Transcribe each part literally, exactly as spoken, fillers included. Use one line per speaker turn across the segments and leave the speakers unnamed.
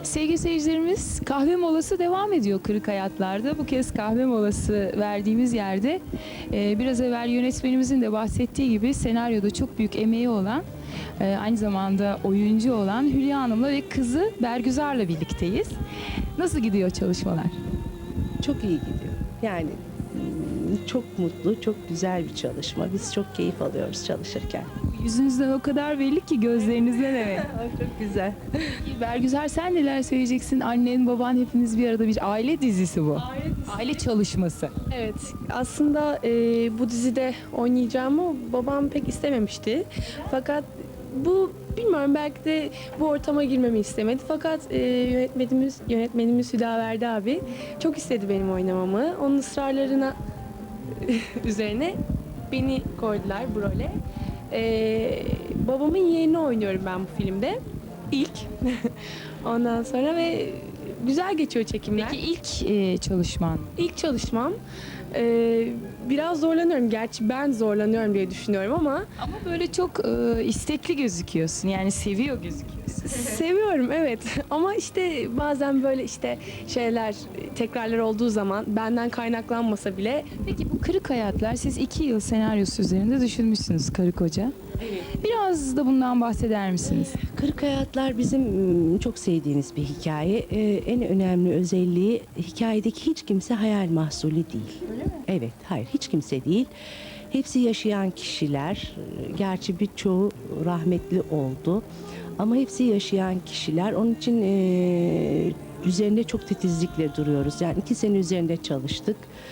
Sevgili seyircilerimiz, kahve molası devam ediyor Kırık Hayatlar'da. Bu kez kahve molası verdiğimiz yerde e, biraz evvel yönetmenimizin de bahsettiği gibi senaryoda çok büyük emeği olan, e, aynı zamanda oyuncu olan Hülya Hanım'la ve kızı Bergüzar'la birlikteyiz. Nasıl gidiyor çalışmalar?
Çok iyi gidiyor. Yani mm, çok mutlu, çok güzel bir çalışma. Biz çok keyif alıyoruz çalışırken.
Yüzünüzden o kadar belli ki, gözlerinizden evet.
Çok güzel.
Bergüzar, sen neler söyleyeceksin? Annen, baban hepiniz bir arada, bir aile dizisi bu.
Aile dizisi.
Aile çalışması.
Evet, aslında e, bu dizide oynayacağımı babam pek istememişti. Fakat bu bilmiyorum, belki de bu ortama girmemi istemedi. Fakat e, yönetmenimiz yönetmenimiz Hüdaverdi abi çok istedi benim oynamamı. Onun ısrarlarına üzerine beni koydular bu role. E, babamın yeğenini oynuyorum ben bu filmde. İlk. Ondan sonra ve güzel geçiyor çekimler.
Peki ilk e, çalışman?
İlk çalışmam. Ee, biraz zorlanıyorum. Gerçi ben zorlanıyorum diye düşünüyorum ama
Ama böyle çok e, istekli gözüküyorsun. Yani seviyor gözüküyorsun.
seviyorum, evet. Ama işte bazen böyle işte şeyler, tekrarlar olduğu zaman benden kaynaklanmasa bile.
Peki bu Kırık Hayatlar, siz iki yıl senaryosu üzerinde düşünmüşsünüz karı koca.
Evet.
Biraz da bundan bahseder misiniz?
Kırık Hayatlar bizim mm, çok sevdiğimiz bir hikaye. Ee, en önemli özelliği, hikayedeki hiç kimse hayal mahsulü değil.
Öyle mi?
Evet, hayır, hiç kimse değil. Hepsi yaşayan kişiler. Gerçi birçoğu rahmetli oldu. Ama hepsi yaşayan kişiler. Onun için eee, üzerinde çok titizlikle duruyoruz. Yani iki sene üzerinde çalıştık.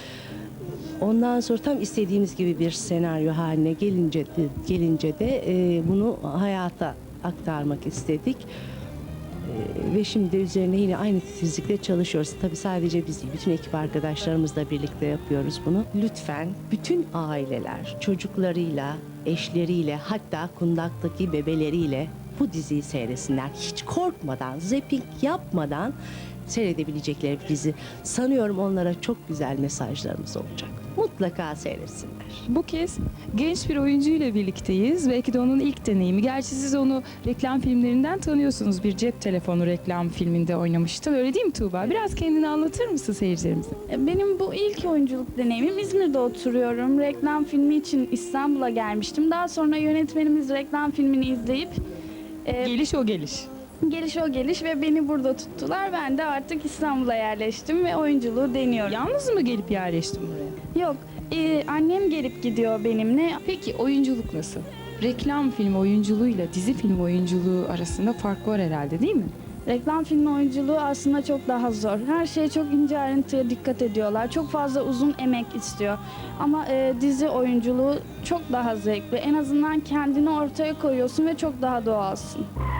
Ondan sonra tam istediğimiz gibi bir senaryo haline gelince de, gelince de eee, bunu hayata aktarmak istedik. Eee, ve şimdi de üzerine yine aynı titizlikle çalışıyoruz. Tabii sadece biz değil, bütün ekip arkadaşlarımızla birlikte yapıyoruz bunu. Lütfen bütün aileler çocuklarıyla, eşleriyle, hatta kundaktaki bebeleriyle bu diziyi seyretsinler. Hiç korkmadan, zapping yapmadan seyredebilecekleri bir dizi. Sanıyorum onlara çok güzel mesajlarımız olacak. Mutlaka seyretsinler.
Bu kez genç bir oyuncuyla birlikteyiz. Belki de onun ilk deneyimi. Gerçi siz onu reklam filmlerinden tanıyorsunuz. Bir cep telefonu reklam filminde oynamıştın. Öyle değil mi Tuğba? Biraz kendini anlatır mısın seyircilerimize?
Benim bu ilk oyunculuk deneyimim. İzmir'de oturuyorum. Reklam filmi için İstanbul'a gelmiştim. Daha sonra yönetmenimiz reklam filmini izleyip e,
Geliş o geliş.
geliş o geliş ve beni burada tuttular. Ben de artık İstanbul'a yerleştim ve oyunculuğu deniyorum.
Yalnız mı gelip yerleştin buraya?
Yok, e, annem gelip gidiyor benimle.
Peki oyunculuk nasıl? Reklam filmi oyunculuğuyla dizi film oyunculuğu arasında fark var herhalde, değil mi?
Reklam filmi oyunculuğu aslında çok daha zor. Her şeye çok ince ayrıntıya dikkat ediyorlar. Çok fazla uzun emek istiyor. Ama e, dizi oyunculuğu çok daha zevkli. En azından kendini ortaya koyuyorsun ve çok daha doğalsın.